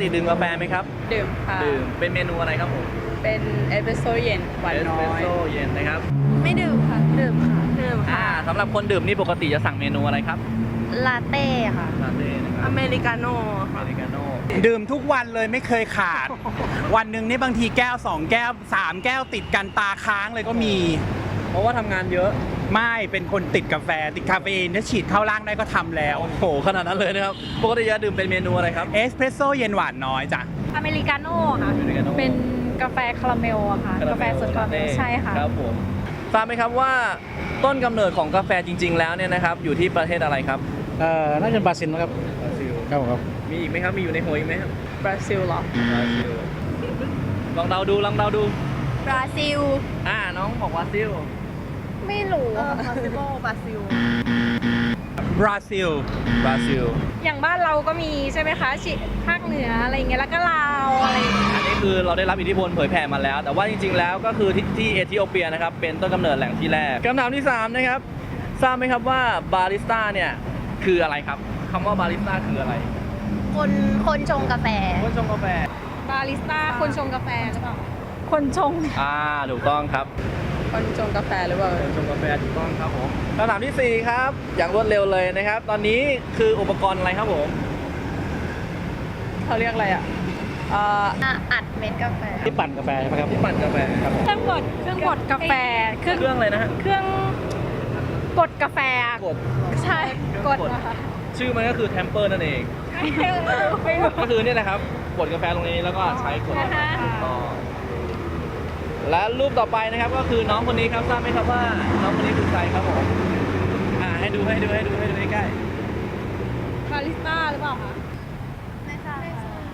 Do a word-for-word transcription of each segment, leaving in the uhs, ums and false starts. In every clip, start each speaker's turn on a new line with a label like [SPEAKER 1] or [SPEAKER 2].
[SPEAKER 1] ติดื่มกาแฟไหมครับ
[SPEAKER 2] ดื่มค่ะ
[SPEAKER 1] ดื่มเป็นเมนูอะไรครับผม
[SPEAKER 2] เป็นเอสเปรสโซ่เย็นหวานน้อย
[SPEAKER 1] เอสเปรสโซ่เย็นนะครับ
[SPEAKER 2] ไม่ดื่มค่ะดื่มค่ะดื่ม
[SPEAKER 1] อ่า
[SPEAKER 2] ค่ะ
[SPEAKER 1] สำหรับคนดื่มนี่ปกติจะสั่งเมนูอะไรครับ
[SPEAKER 2] ลาเต้ค่ะ
[SPEAKER 1] ลาเต้นะครับ
[SPEAKER 2] อเมริกาโน่
[SPEAKER 1] อเมริกาโน่
[SPEAKER 3] ดื่มทุกวันเลยไม่เคยขาด วันหนึ่งนี่บางทีแก้วสองแก้วสามแก้วติดกันตาค้างเลยก็มี
[SPEAKER 1] เพราะว่าทำงานเยอะ
[SPEAKER 3] ไม่เป็นคนติดกาแฟติดคาเฟอีนถ้าฉีดเข้าร่างได้ก็ทำแล้ว
[SPEAKER 1] โอ้โหขนาดนั้นเลยนะครับปกติจะดื่มเป็นเมนูอะไรครับ
[SPEAKER 3] เอสเพรสโซ่เย็นหวานน้อยจ้ะ
[SPEAKER 2] อเมริกาโน่ค่ะ
[SPEAKER 1] อเมริกาโน่
[SPEAKER 2] เป็นกาแฟคาราเมลอะค่ะกาแฟสดคาราเมลใช่ค่ะ
[SPEAKER 1] ครับผมทราบไหมครับว่าต้นกำเนิดของกาแฟจริงๆแล้วเนี่ยนะครับอยู่ที่ประเทศอะไรครับ
[SPEAKER 4] เอ่อน่าจะบราซิลนะครับ
[SPEAKER 1] บราซิล
[SPEAKER 4] ครับผมครับ
[SPEAKER 1] มีอีกไหมครับมีอยู่ในหัวอีกไหมครับ
[SPEAKER 2] บราซิลเหรอบ
[SPEAKER 1] ราซิลลองเดาดูลองเดาดู
[SPEAKER 2] บราซิล
[SPEAKER 1] อ่าน้องบอกบราซิล
[SPEAKER 2] ไม่รู้บราซิลบราซิล
[SPEAKER 3] บราซิล
[SPEAKER 1] บราซิล
[SPEAKER 2] อย่างบ้านเราก็มีใช่ไหมคะชิภาคเหนืออะไรอย่างเงี้ยแล้วก็ลาวอะไรอย่างเงี้ย
[SPEAKER 1] อันนี้คือเราได้รับอิทธิพลเผยแผ่มาแล้วแต่ว่าจริงๆแล้วก็คือที่ที่เอธิโอเปียนะครับเป็นต้นกำเนิดแหล่งที่แรกคำถามที่สามนะครับทราบไหมครับว่าบาริสต้าเนี่ยคืออะไรครับคำว่าบาริสต้าคืออะไร
[SPEAKER 5] คนคนชงกาแฟ
[SPEAKER 1] คนชงกาแฟ
[SPEAKER 2] บาริสต้าคนชงกาแฟหรือเปล่าคนชง
[SPEAKER 1] อ่าถูกต้องครับ
[SPEAKER 2] คนชงกาแฟหรือเปล่า
[SPEAKER 1] คนชงกาแฟถูกต้องครับผมคำถามที่สี่ครับอย่างรวดเร็วเลยนะครับตอนนี้คืออุปกรณ์อะไรครับผม
[SPEAKER 2] เขาเรียกอะไรอ่ะเอ่อ
[SPEAKER 5] อัดเม็ดกาแฟ
[SPEAKER 4] ที่ปั่นกาแฟใช่ไหมครับ
[SPEAKER 1] ที่ปั่นกาแฟครับ
[SPEAKER 2] เครื่องบดเครื่องบดกาแฟ
[SPEAKER 1] เครื่องอะไรนะฮะ
[SPEAKER 2] เครื่องบดกาแฟ
[SPEAKER 1] กด
[SPEAKER 2] ใช่กดนะคะ
[SPEAKER 1] ชื่อมันก็คือแทมเปอร์นั่นเองก็คือเนี่ยนะครับกดกาแฟตรงนี้แล้วก็ใช้กดต่อและรูปต่อไปนะครับก็คือน้องคนนี้ครับทราบไหมครับว่าน้องคนนี้คือใครครับผมอ่าให้ดูให้ดูให้ดูให้ดูใกล้
[SPEAKER 2] บาริสต้าหรือเปล่าคะ
[SPEAKER 5] ไม่ทราบ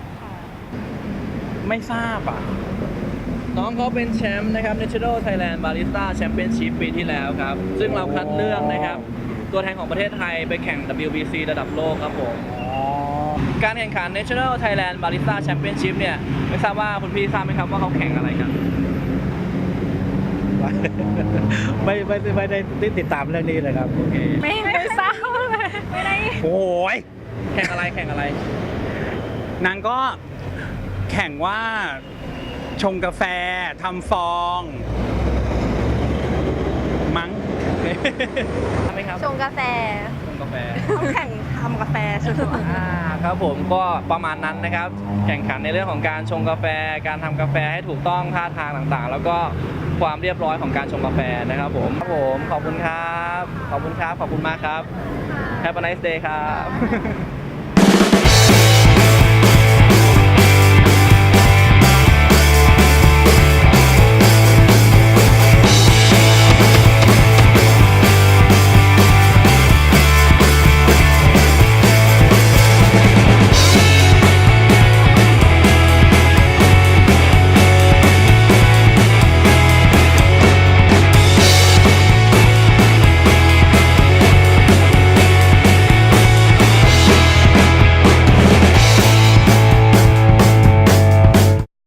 [SPEAKER 3] ไม่ทราบอ่ะ
[SPEAKER 1] น้องเขาเป็นแชมป์นะครับ Natural Thailand Barista Championship ปีที่แล้วครับซึ่งเราคัดเลือกนะครับตัวแทนของประเทศไทยไปแข่ง ดับเบิลยู บี ซี ระดับโลกครับผมการแข่งขัน Natural Thailand Barista Championship เนี่ยไม่ทราบว่าคุณพี่ทราบไหมครับว่าเขาแข่งอะไรกัน
[SPEAKER 4] ไม่ไม่ไม่ได้ติดตามเรื่องนี้เลยครับโอเค
[SPEAKER 2] ไม่ไม่ทราบเลยไม่ได้
[SPEAKER 3] โอ้ย
[SPEAKER 1] แข่งอะไรแข่งอะไร
[SPEAKER 3] นางก็แข่งว่าชงกาแฟทำฟองมั้ง
[SPEAKER 1] ทำไหมครับ
[SPEAKER 5] ชงกาแฟ
[SPEAKER 1] ชงกาแฟ
[SPEAKER 2] ต้องแข่งทำกาแฟใช่ไหม
[SPEAKER 1] อ่าครับผมก็ประมาณนั้นนะครับแข่งขันในเรื่องของการชงกาแฟการทำกาแฟให้ถูกต้องท่าทางต่างๆแล้วก็ความเรียบร้อยของการชงกาแฟนะครับผมครับผมขอบคุณครับขอบคุณครับขอบคุณมากครับ Have a nice day ครับ